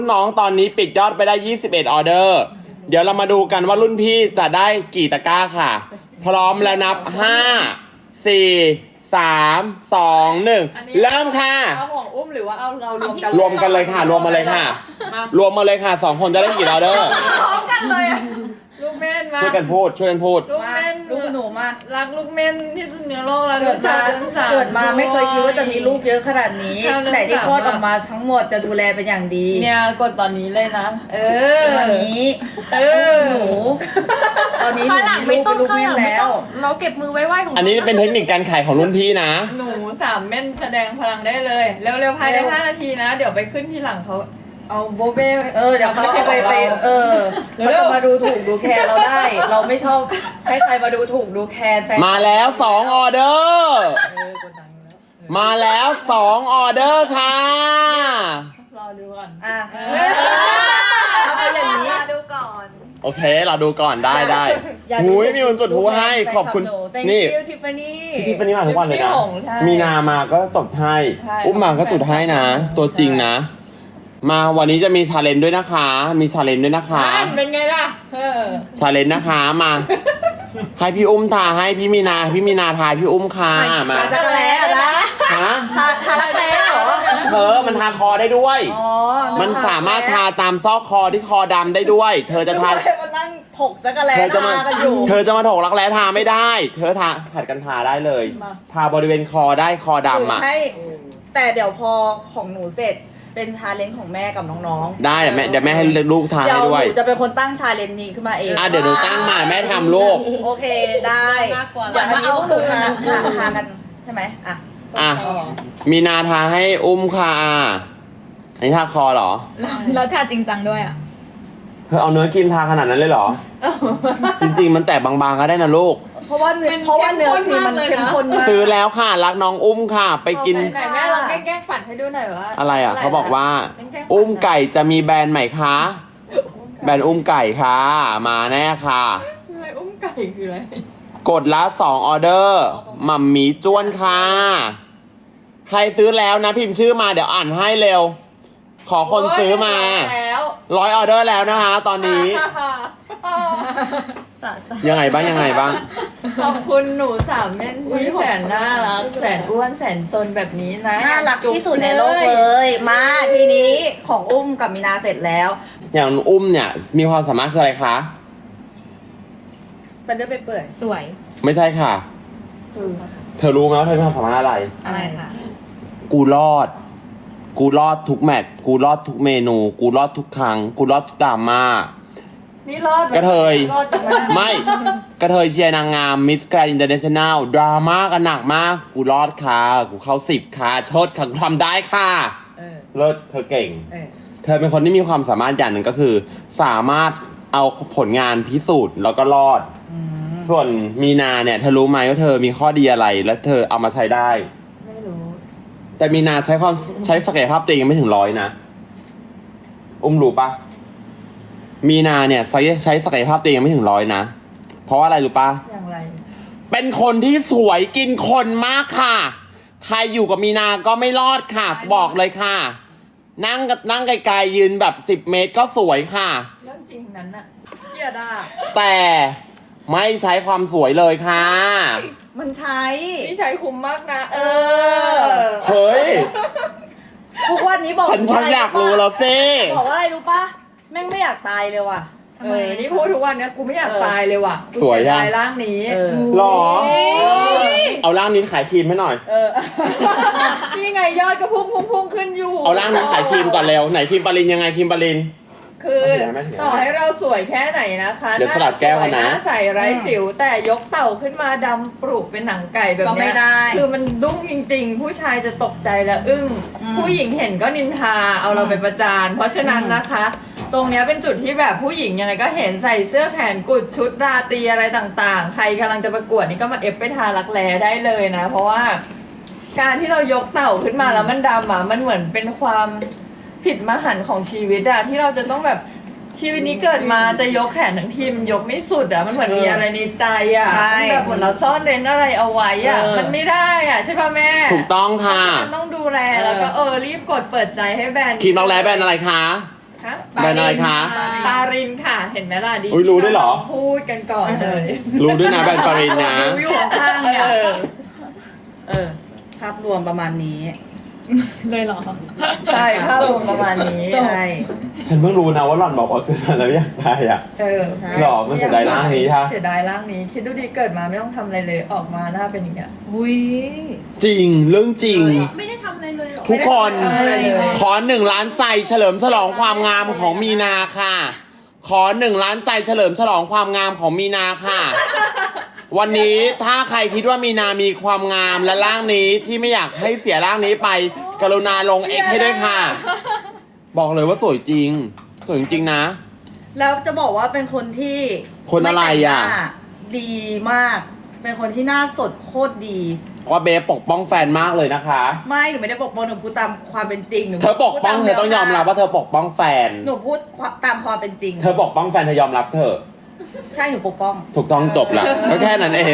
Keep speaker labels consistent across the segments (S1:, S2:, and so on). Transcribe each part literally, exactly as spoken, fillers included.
S1: น้องตอนนี้ปิดยอดไปได้ยี่สิบเอ็ดออเดอร์เดี๋ยวเรามาดูกันว่ารุ่นพี่จะได้กี่ตะกร้าค่ะ พร้อมแล้วนับห้า สี่ สาม สอง หนึ่งเริ่มค่ะ
S2: เอาของอุ้มหรือว่าเอาเรารวมกัน
S1: รวมกันเลยค่ะรวมมาเลยค่ะ รวมมาเลยค่ะสองคนจะได้กี่ออเดอร์
S2: พร้อมกันเลยอะลูกเม่นมา
S1: ช่วยกันพูดช่วยกันพูด
S2: ลูกเม่น
S3: ลูกหนูมา
S2: รักลูกเม่นที่สุดในโลกแล้ว
S3: เกิดมา
S2: เดือนสาม
S3: เกิดมาไม่เคยคิดว่าจะมีลูกเยอะขนาดนี้
S2: เอาเดือน
S3: แต่ที่
S2: สาม
S3: คลอดออกมาทั้งหมดจะดูแลเป็นอย่างดี
S2: เนี่ยกดตอนนี้เลยนะ เออ
S3: ตอนนี้
S2: เออ
S3: หนู ตอนนี้หนู
S4: ข้างหลัง
S3: มี
S4: ไม่
S3: ลูก
S4: ต้อง
S3: เป็นลูก
S4: ข้างห
S3: เม่น
S4: ลังไม่
S3: แล้
S4: ต้
S3: ว
S4: องเราเก็บมือไว้ไหวของ
S1: อันนี้เป็นเทคนิคการขายของรุ่นพี่นะ
S2: หนูสามเม่นแสดงพลังได้เลย เร็วๆภายใน
S3: เร็ว
S2: ห้านาทีนะ เดี๋ยวไปขึ้นที่หลังเขาเอาโบเบ้
S3: เออเดี๋ยวเขา
S2: ม่ใช่
S3: เอาไป
S2: ของ
S3: ไป
S2: รา
S3: เออ
S2: เร็ว
S3: เขาจะมาดูถูกดูแคร์เราได้ เราไม่ชอบให้ใครมาดูถูกดูแคร์แฟน
S1: มาแล้วสองออเดอร์
S3: เออกดดันแล้วเออ
S1: มาแล้วสองออเดอร์ค่ะ
S2: รอดูก่อน
S3: อ่ะ
S2: เอ
S3: เอาไปอย่างนี้
S4: ดูก่อน
S1: โอเคเราดูก่อนได้ได้
S3: อยาก
S1: หุย
S3: ดู
S1: มีคนจุดหูให้ขอบคุณ
S3: แฟนลัห Thank
S1: นี่
S3: you Tiffany
S1: พี่ทิฟฟานี่มาทุกวันเลยนะ
S2: พี่หงใช่
S1: มีนามาก็จดให้
S2: ใช่
S1: อุ้มมาก็จุดให้นะ ตัวจริงนะ มาวันนี้จะมีชาเลนจ์ด้วยนะคะ มีชาเลนจ์ด้วยนะคะ
S2: นั่นเป็นไงล่ะเออ
S1: ชาเลนจ์นะคะมา ให้พี่อุ้มทาให้พี่มีนาพี่มีนาทายพี่อุ้มค่ะมา
S3: ทาจักรแล้นะ
S1: ฮะ
S3: ทาทารักแร้เหรอ
S1: เธอมันทาคอได้ด้วย
S3: อ๋อ
S1: มันสามารถทาตามซอกคอที่คอดำได้ด้วย เธอจะทา
S3: ทามานั่งถกจักรแล้
S1: เธอจะมา
S3: ทากันอยู่
S1: เธอจะมาถกรักแร้ทาไม่ได้ เธอทาผัดกันทาได้เลย ทาบริเวณคอได้คอดำอ่ะ
S3: ให้แต่เดี๋ยวพอของหนูเสร็จเป็นชาเลนจ์ของแม่กับน้อง
S1: ได้เดี๋ยวแม่เดี๋ยวแม่ให้ลูกทา
S3: ๆเดี๋ย
S1: ให้
S3: ว
S1: ด้
S3: ห
S1: วย
S3: นูจะเป็นคนตั้งชาเลนจ์นี้ขึ้นมาเอง
S1: อ่ะเดี๋ยวหนูตั้งมาแม่ทำลูก
S3: โอเคได้
S4: น่ากลัว
S3: อยากให้เอาคืนทาทาทากันใช่ไหมอ่ะ
S1: อ่ะ
S3: ต่อ
S1: มีนาทาให้อุ้มค่ะอ่ะอันนี้ทาคอเหรอ
S4: แล้วถ้าจริงจังด้วยอ่ะ
S1: เธอเอาเนื้อครีมทาขนาดนั้นเลยเหรอ จริงๆ มันแตกบางๆก็ได้นะลูก
S3: เพราะว่าเนื้อ
S2: มัน
S3: เพราะว่าเนื้อครีมมัน
S2: เข้
S3: เข้
S2: ม
S3: ม
S2: ข้
S3: ข้
S2: น
S3: น
S2: มากเลยนะ
S3: มาก
S1: ซื้อแล้วค่ะ รักน้องอุ้มค่ะ ไปกิน
S2: ไหนๆแม่ลองแกล้งๆปัดให้ดูหน่อยว่า
S1: อะไรอ่ะ เขาบอกว่า
S2: แกล้งๆปัด
S1: อุ้มไก่จะมีแบรนด์ใหม่คะ แบรนด์อุ้มไก่ค่ะ มาแน่ค่ะ
S2: อะไรอุ้มไก่คืออะไร
S1: กดละสองออเดอร์หมัมหมีจ้วนค่ะ ใครซื้อแล้วนะพิมพ์ชื่อมาเดี๋ยวอ่านให้เร็ว ขอคนซื้อมา
S2: แล้ว
S1: ร้อยออเดอร์แล้วนะคะ ตอนนี้
S4: สะใจ
S1: ยังไงบ้างยังไงบ้าง
S2: ขอบคุณหนูสามเม่นที่แสนน่ารักแสนอ้วนแสนซนแบบนี้นะ
S3: น่ารักที่สุดในโลกเลย มาทีนี้ของอุ้มกับมีนาเสร็จแล้ว
S1: อย่างอุ้มเนี่ยมีความสามารถคืออะไรคะ
S3: เป็นเรื่องไปเปื่อย
S4: สวย
S1: ไม่ใช่ค่ะ เธอรู้ไหมว่าเธอมีความสามารถอะไร
S4: อะไรค่ะ
S1: กูรอด กูรอดทุกแมตช์กูรอดทุกเมนู กูรอดทุกครั้ง กูรอดทุกดราม่า
S2: นี่รอด
S1: กระเทย
S3: รอดจังเลย
S1: ไม่ กระเทยเชียร์นางงามมิสแกรนด์อินเตอร์เนชั่นแนลดราม่ากันหนักมาก กูรอดค่ะ กูเข้าสิบค่ะชดค่ะกูทำได้ค่ะ
S3: เออ
S1: เลิศเธอเก่ง
S3: เออ
S1: เธอเป็นคนที่มีความสามารถอย่างหนึ่งก็คือ สามารถเอาผลงานพิสูจน์แล้วก็รอด
S3: อืม
S1: ส่วนมีนาเนี่ยเธอรู้ไหมว่าเธอมีข้อดีอะไร และเธอเอามาใช้ได้
S2: ไม่รู้
S1: แต่มีนาใช้ความใช้ศักยภาพตัวเองยังไม่ถึงร้อยนะ อุ้มรู้ปะมีนาเนี่ยใช้ใช้ศักยภาพตัวเองยังไม่ถึงร้อยนะ เพราะว่าอะไรรู้ปะ
S2: อย่างไร
S1: เป็นคนที่สวยกินคนมากค่ะ ใครอยู่กับมีนาก็ไม่รอดค่ะ บอกเลยค่ะ นั่งกับนั่งไกลๆยืนแบบสิบเมตรก็สวยค่ะ
S2: เรื่องจริงนั้นอะ
S3: เกียดอ่ะ
S1: แต่ไม่ใช้ความสวยเลยค่ะ
S3: มันใช้
S2: นี่ใช้คุ้มมากนะ เอ
S3: อ
S1: เฮ้ย
S3: ทุกวันนี้บอก
S1: ฉันฉันอยากรู้แล้วสิ
S3: บอกว่าอะไรรู้ปะแม่งไม่อยากตายเลยว่ะ
S2: เออ นี่พูดทุกวันเนี้ยกูไม่อยาก
S3: เออ
S2: ตายเลยว่ะกู
S1: สวย
S2: เสี
S1: อะ
S2: ดายร่างนี้
S3: เออ
S1: หรอ
S2: เออ
S1: เอาร่างนี้ขายครีมให้หน่อย
S3: เออ
S2: นี่ไงยอดก็พุ่งพุ่งพุ่งขึ้นอยู่
S1: เอาร่างนี้ขายครีมก่อนเร็ว ไหนครีมปารินยังไงครีมปาริน
S2: คือ
S1: ไม่ถึงนะไม่ถึงนะ
S2: ต่อให้เราสวยแค่ไหนนะคะ
S1: เดี๋ยวสลัดแก้วก่อนนะ
S2: หาใสไร้สิว แต่ยกเต่าขึ้นมาดำปลุกเป็นหนังไก่แบบ
S3: ก็ไม่
S2: เนี้ย
S3: ได้
S2: คือมันดุ้งจริง ๆ ผู้ชายจะตกใจและอึ้ง
S3: อืม
S2: ผู้หญิงเห็นก็นินทาเอาเราไปประจาน เพราะฉะนั้นนะคะ ตรงเนี้ยเป็นจุดที่แบบผู้หญิงยังไงก็เห็นใส่เสื้อแขนกุดชุดราตรีอะไรต่างๆ ใครกำลังจะประกวดนี่ก็มาเอฟไปทารักแร้ได้เลยนะ เพราะว่า การที่เรายกเต่าขึ้นมาแล้วมันดำอ่ะมันเหมือนเป็นความผิดมหันต์ของชีวิตอะที่เราจะต้องแบบชีวิตนี้เกิดมาจะยกแขนทั้งทีมันยกไม่สุดอะมันเหมือนมีอะไรในใจอะ
S3: ใช่
S2: มันแบบเหมือนเราซ่อนเร้นอะไรเอาไว้อะ
S3: เออ
S2: มันไม่ได้อะใช่ป่ะแม่
S1: ถูกต้องค่ะ
S2: มันต้องดูแลแล้วก็เออรีบกดเปิดใจให้แบรนด์
S1: ครีมรักแร้แบรนด์อะไรคะ
S2: ฮะ
S1: แบรนด์อะไรคะ
S2: ปารินค่ะ เห็นไหมล่ะดี
S1: อุ๊ยรู้ด้วยเหรอ
S2: พูดกันก่อนเลย
S1: รู้ด้วยนะแบรนด์ปารินนะ
S2: รู้อยู่ข้างๆเนี่ย
S3: เออ
S2: เออ
S3: ภาพรวมประมาณนี้
S4: เลยเหรอ
S2: ใช่ภาพรวมประมาณนี้
S3: ใช่
S1: ฉันเพิ่งรู้นะว่าหล่อนบอกว่าเกิดมาแล้วอยากตายอ่ะ
S2: เออ
S3: ใช่
S1: หรอมันเสียดายร่างนี้ค่ะ
S2: เสียดายร่างนี้ คิดดูดีเกิดมาไม่ต้องทำอะไรเลยออกมาหน้าเป็นอย่างเงี้ย
S4: อุ้ย
S1: จริงเรื่องจริง
S4: ไม่ได้ทำอะไรเลยเหรอ
S1: ทุกคน
S2: ไม่ได้ทำอะไรเลย
S1: ขอหนึ่งล้านใจเฉลิมฉลองความงามของมีนาค่ะ ขอหนึ่งล้านใจเฉลิมฉลองความงามของมีนาค่ะ วันนี้ถ้าใครคิดว่ามีนามีความงามและร่างนี้ที่ไม่อยากให้เสียร่างนี้ไป กรุณาลงเอ็กให้ด้วยค่ะ บอกเลยว่าสวยจริง สวยจริงๆนะ
S3: แล้วจะบอกว่าเป็นคนที่
S1: คนอะไรอ่ะ
S3: ม่แต่งหน้าดีมาก เป็นคนที่หน้าสดโคตรดี
S1: ว่าเบฟปกป้องแฟนมากเลยนะคะ
S3: ไม่หนูไม่ได้ปกป้องหนูพูดตามความเป็นจริงหนู
S1: เธอปกป้องเธอต้องยอมรับว่าเธอปกป้องแฟน
S3: หนูพูดตามความเป็นจริง
S1: เธอปกป้องแฟนเธอยอมรับเธอะ
S3: ใช่หนูปกป้อง
S1: ถูกต้องจบละก็แค่นั้นเอง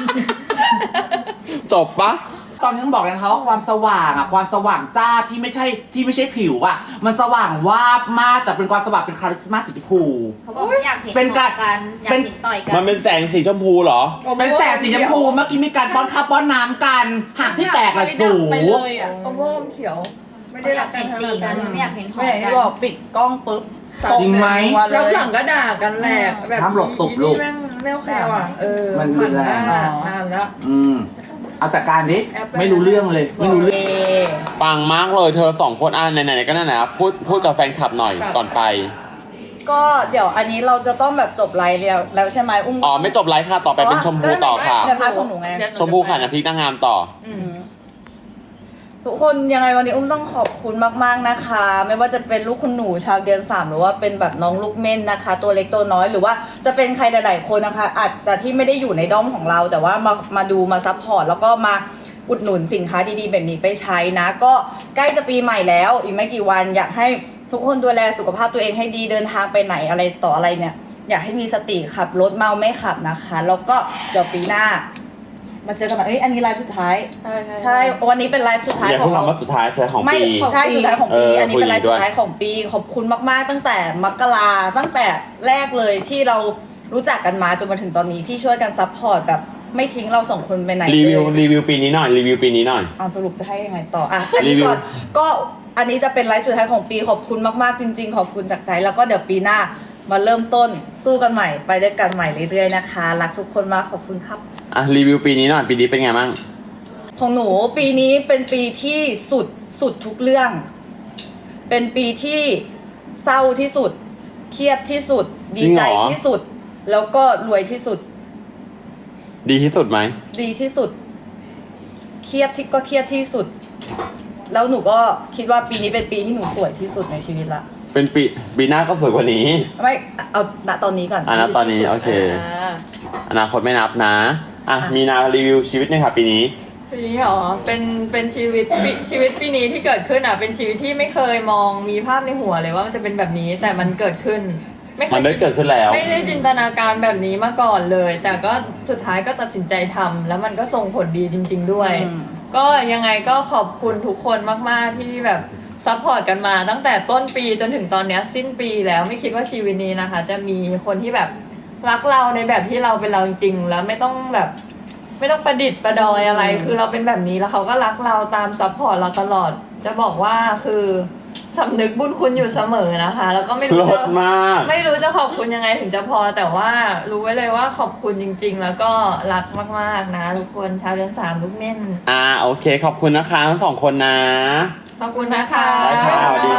S1: จบปะ
S5: ตอนนี้ต้องบอกเลยนะคะว่าความสว่างอะความสว่างจ้าที่ไม่ใช่ที่ไม่ใช่ผิวอะมันสว่างวาบมากแต่เป็นความสว่างเป็นคาริสมาสีชมพู
S6: เขาบอกว่าอยากเห็น
S5: เป็นการ
S6: ต่อกันอยาก
S5: เป็น
S6: เห็นต่อยกั
S1: มันเป็นแสงสีชมพูเหรอ
S5: เป็นแสงสีชมพูเมื่อกี้มีการป้อนข้าวป้อนน้ำกันหากที่แตกละสู
S4: ไปเลยอ่ะ
S2: อมม่วงเขียว ไม่
S6: ไม่
S2: ได้
S6: ได้
S2: รั
S6: รั
S2: ก
S6: ก
S2: กั
S6: กัน น
S2: ขนาด
S6: ตีกั
S2: นั้น น
S6: ไม่อยากเห็นหอ
S3: ไม่
S6: ม
S3: อย่าง
S6: กั
S3: ที่
S6: น
S3: บอกปิดกล้องปุ๊บ
S5: จริงไหม
S3: ตบแบ
S2: แล้ว
S3: บ
S2: หลังก็ด่ากันแหละแบบ
S5: ห้ามหลบตบลูก
S2: อีนี่แม่งแม่วแควอ่ะเออ
S5: มันรุนแรง
S2: ผ่านหน้านานแล้ว
S5: อืมเอาจากการดิไม่รู้เรื่องเลย ไม่รู้เรื่อง
S3: เอ
S1: ปังมากเลยเธอสองคนอ่ะไหนๆก็นั่นนะพูดพูดกับแฟนคลับหน่อยก่อนไป
S3: ก็เดี๋ยวอันนี้เราจะต้องแบบจบไลฟ์แล้วแล้วใช่ไหมอุ้ม
S1: อ๋อไม่จบไลฟ์ค่ะต่อไปเป็นชมพูต่อค่ะ
S3: ในพาร์ทของหนูไง
S1: ชมพูค่ะน้ำพริกนางงามต่อ
S2: อืม
S3: ทุกคนยังไงวันนี้อุ้มต้องขอบคุณมากๆนะคะ ไม่ว่าจะเป็นลูกคุณหนูชาวเดือนสามหรือว่าเป็นแบบน้องลูกเม่นนะคะ ตัวเล็กตัวน้อยหรือว่าจะเป็นใครหลายๆคนนะคะ อาจจะที่ไม่ได้อยู่ในด้อมของเรา แต่ว่ามามาดูมาซัพพอร์ตแล้วก็มาอุดหนุนสินค้าดีๆ แบบนี้ไปใช้นะ ก็ใกล้จะปีใหม่แล้วอีกไม่กี่วันอยากให้ทุกคนดูแลสุขภาพตัวเองให้ดีเดินทางไปไหนอะไรต่ออะไรเนี่ย อยากให้มีสติขับรถเมาไม่ขับนะคะ แล้วก็เดี๋ยวปีหน้า มาเจอกันใหม่เอ้ยอันนี้ไลฟ์สุดท้าย
S2: ใช่ใช่
S3: ใช่วันนี้เป็นไลฟ์สุดท้าย
S1: อย่า
S3: ขอ
S1: เพิ่
S3: ง
S1: ง
S3: เรา
S1: คำว่าสุดท้ายใช่ของ
S3: ไม่
S1: ปี
S3: ใช่สุดท้ายของปี
S1: เอออั
S3: อันนี้เป็นไลฟ์
S1: คุย
S3: สุ
S1: ด้วย
S3: ดท้ายของปีขอบคุณมากๆ ตั้งแต่มกราตั้งแต่แรกเลยที่เรารู้จักกันมาจนมาถึงตอนนี้ที่ช่วยกันซัพพอร์ตแบบไม่ทิ้งเราสองคนไปไหน
S1: รีวิว
S3: เลย
S1: รีวิวปีนี้หน่อยรีวิวปีนี้หน่อย
S3: เอาสรุปจะให้ยังไงต่ออ่ะอัน
S1: รี
S3: นี้
S1: วิว
S3: ก่อนก็อันนี้จะเป็นไลฟ์สุดท้ายของปีขอบคุณมากๆจริง ๆ ขอบคุณจากใจแล้วก็เดี๋ยวปีหน้ามาเริ่มต้นสู้กันใหม่ไปด้วยกันใหม่เรื่อยๆนะคะรักทุกคนมากขอบคุณครับ
S1: อ่ะรีวิวปีนี้หน่อยปีนี้เป็นไงบ้าง
S3: ของหนูปีนี้เป็นปีที่สุดสุดทุกเรื่อง เป็นปีที่เศร้าที่สุด เครียดที่สุด ดีใจที่สุด แล้วก็รวยที่สุด
S1: ดีที่สุดไหม
S3: ดีที่สุด เครียดที่ก็เครียดที่สุด แล้วหนูก็คิดว่าปีนี้เป็นปีที่หนูสวยที่สุดในชีวิตละ
S1: เป็นปีปีหน้าก็สวยกว่านี้
S3: ไม่เอาณตอนนี้ก่อน
S1: อ่ะณตอนนี้
S3: ที่สุด
S1: โอเค
S2: อ่า
S1: อนาคตไม่นับนะอ่ะ
S3: อ่ะ
S1: มีนารีวิวชีวิตหน่อยค่ะปีนี้
S2: ปีนี้เหรอเป็นเป็นชีวิตปีชีวิตปีนี้ที่เกิดขึ้นอ่ะเป็นชีวิตที่ไม่เคยมองมีภาพในหัวเลยว่ามันจะเป็นแบบนี้แต่มันเกิดขึ้น ไม่เค
S1: มั
S2: ย
S1: นได้เกิดขึ้นแล้ว
S2: ไม่ได้จินตนาการแบบนี้มาก่อนเลย แต่ก็สุดท้ายก็ตัดสินใจทำแล้วมันก็ส่งผลดีจริง ๆ ด้วย
S3: อืม
S2: ก็ยังไงก็ขอบคุณทุกคนมาก ๆ ที่แบบซัพพอร์ตกันมาตั้งแต่ต้นปีจนถึงตอนเนี้ยสิ้นปีแล้วไม่คิดว่าชีวิตนี้นะคะ จะมีคนที่แบบรักเราในแบบที่เราเป็นเราจริงๆแล้วไม่ต้องแบบ ไม่ต้องประดิษฐ์ประดอยอะไร คือเราเป็นแบบนี้แล้วเขาก็รักเราตามซัพพอร์ตเราตลอด จะบอกว่าคือสำนึกบุญคุณอยู่เสมอนะคะ แล้วก็ไม่
S1: ล
S2: รู้จะ
S1: ดมาก
S2: ไม่รู้จะขอบคุณยังไงถึงจะพอ แต่ว่ารู้ไว้เลยว่าขอบคุณจริง ๆ แล้วก็รักมากๆนะทุกคนชาวเดือนสามลูกเม่น
S1: อ่าโอเค ขอบคุณนะคะทั้งสองคนนะ
S2: ขอบคุณนะคะ
S1: ได้ค่ะ